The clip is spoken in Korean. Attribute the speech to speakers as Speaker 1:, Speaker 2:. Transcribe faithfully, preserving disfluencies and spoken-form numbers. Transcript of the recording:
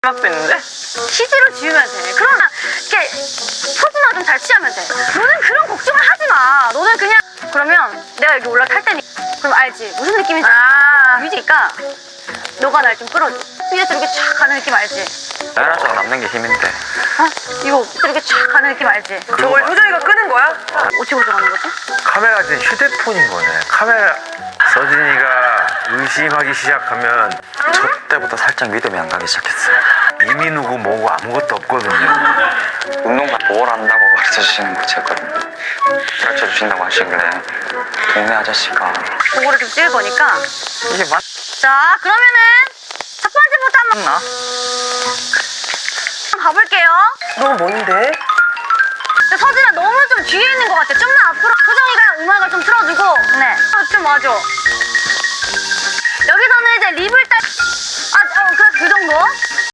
Speaker 1: 음악도 있는데?
Speaker 2: 시지로 지으면 돼. 그러나 이렇게 포즈나 좀 잘 취하면 돼. 너는 그런 걱정을 하지 마. 너는 그냥 그러면 내가 여기 올라탈 테니 그럼 알지? 무슨 느낌인지.
Speaker 1: 아
Speaker 2: 뮤직이니까 너가 날 좀 끌어줘. 위에서 이렇게 쫙 가는 느낌 알지?
Speaker 1: 나라서 남는 게 힘인데.
Speaker 2: 어? 이거 이렇게 쫙 가는 느낌 알지?
Speaker 3: 저걸 효정이가 끄는 거야?
Speaker 2: 어찌 고정하는 거지?
Speaker 4: 카메라가 지금 휴대폰인 거네. 카메라 서진이가 의심하기 시작하면
Speaker 1: 저 때부터 살짝 믿음이 안 가기 시작했어요.
Speaker 4: 이미 누구 뭐고 아무것도 없거든요.
Speaker 1: 운동과 뭘 한다고 가르쳐 주시는 거였거든요. 가르쳐 주신다고 하시길래 동네 아저씨가
Speaker 2: 그거를 좀 찍을 거니까.
Speaker 1: 이게 맞...
Speaker 2: 자, 그러면은 첫 번째부터 한번
Speaker 1: 나?
Speaker 2: 가볼게요.
Speaker 3: 너무 뭔데?
Speaker 2: 근데 서진아 너무 좀 뒤에 있는 것 같아. 좀만 앞으로 효정이가 음악을 좀 틀어주고. 네. 어, 좀 와줘. 여기서는 이제 립을 딸. 아, 어, 그래 그 정도.